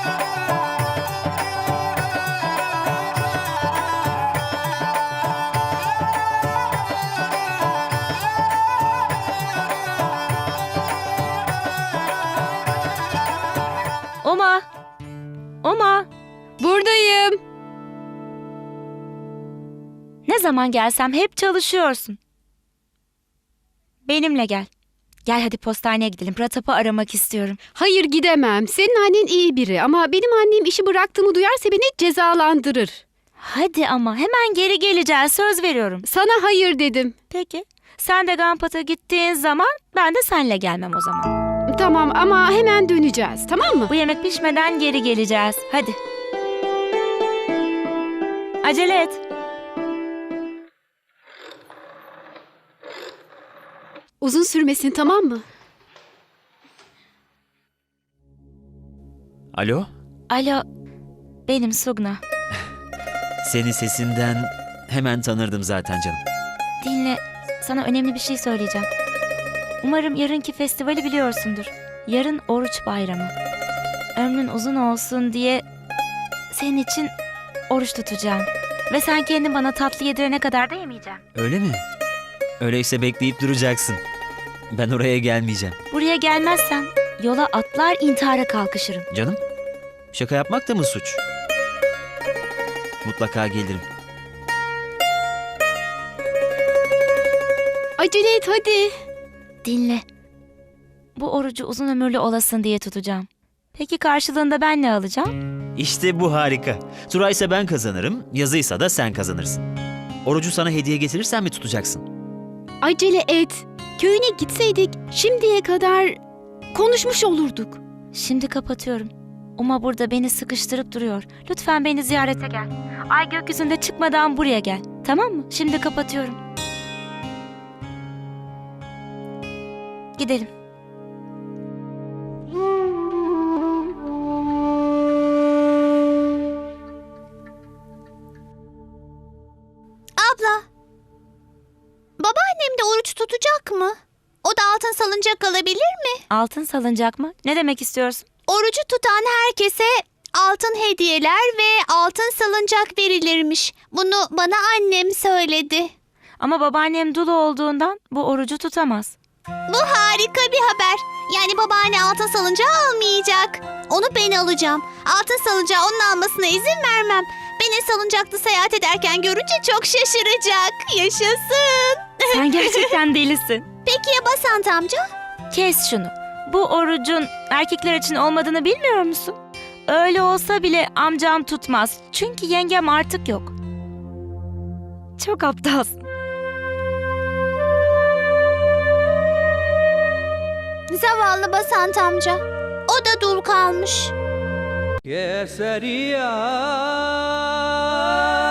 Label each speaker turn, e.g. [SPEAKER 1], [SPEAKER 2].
[SPEAKER 1] Uma! Uma!
[SPEAKER 2] Buradayım.
[SPEAKER 1] Ne zaman gelsem hep çalışıyorsun. Benimle gel. Gel hadi postaneye gidelim. Pratap'ı aramak istiyorum.
[SPEAKER 2] Hayır, gidemem. Senin annen iyi biri ama benim annem işi bıraktığımı duyarsa beni cezalandırır.
[SPEAKER 1] Hadi ama hemen geri geleceğiz. Söz veriyorum.
[SPEAKER 2] Sana hayır dedim.
[SPEAKER 1] Peki. Sen de Gampat'a gittiğin zaman ben de seninle gelmem o zaman.
[SPEAKER 2] Tamam ama hemen döneceğiz, tamam mı?
[SPEAKER 1] Bu yemek pişmeden geri geleceğiz. Hadi. Acele et.
[SPEAKER 2] Uzun sürmesin, tamam mı?
[SPEAKER 3] Alo?
[SPEAKER 1] Alo. Benim Sugna.
[SPEAKER 3] Seni sesinden hemen tanırdım zaten canım.
[SPEAKER 1] Dinle. Sana önemli bir şey söyleyeceğim. Umarım yarınki festivali biliyorsundur. Yarın oruç bayramı. Ömrün uzun olsun diye senin için oruç tutacağım. Ve sen kendin bana tatlı yedirene kadar da yemeyeceğim.
[SPEAKER 3] Öyle mi? Öyleyse bekleyip duracaksın. Ben oraya gelmeyeceğim.
[SPEAKER 1] Buraya gelmezsen yola atlar intihara kalkışırım.
[SPEAKER 3] Canım, şaka yapmak da mı suç? Mutlaka gelirim.
[SPEAKER 2] Acele et hadi.
[SPEAKER 1] Dinle. Bu orucu uzun ömürlü olasın diye tutacağım. Peki karşılığında ben ne alacağım?
[SPEAKER 3] İşte bu harika. Turaysa ben kazanırım, yazıysa da sen kazanırsın. Orucu sana hediye getirirsen mi tutacaksın?
[SPEAKER 2] Acele et. Köyüne gitseydik şimdiye kadar konuşmuş olurduk.
[SPEAKER 1] Şimdi kapatıyorum. Uma burada beni sıkıştırıp duruyor. Lütfen beni ziyarete gel. Ay gökyüzünde çıkmadan buraya gel. Tamam mı? Şimdi kapatıyorum. Gidelim.
[SPEAKER 4] Abla, babaannem de oruç tutacak mı? O da altın salıncak alabilir mi?
[SPEAKER 1] Altın salıncak mı? Ne demek istiyorsun?
[SPEAKER 4] Orucu tutan herkese altın hediyeler ve altın salıncak verilirmiş. Bunu bana annem söyledi.
[SPEAKER 1] Ama babaannem dul olduğundan bu orucu tutamaz.
[SPEAKER 4] Bu harika bir haber. Yani babaanne altın salıncağı almayacak. Onu ben alacağım. Altın salıncağı onun almasına izin vermem. Beni salıncaklı seyahat ederken görünce çok şaşıracak. Yaşasın.
[SPEAKER 1] Sen gerçekten delisin.
[SPEAKER 4] Peki ya Basant amca?
[SPEAKER 1] Kes şunu. Bu orucun erkekler için olmadığını bilmiyor musun? Öyle olsa bile amcam tutmaz. Çünkü yengem artık yok. Çok aptalsın.
[SPEAKER 4] Zavallı Basant amca. O da dul kalmış.
[SPEAKER 5] Keseria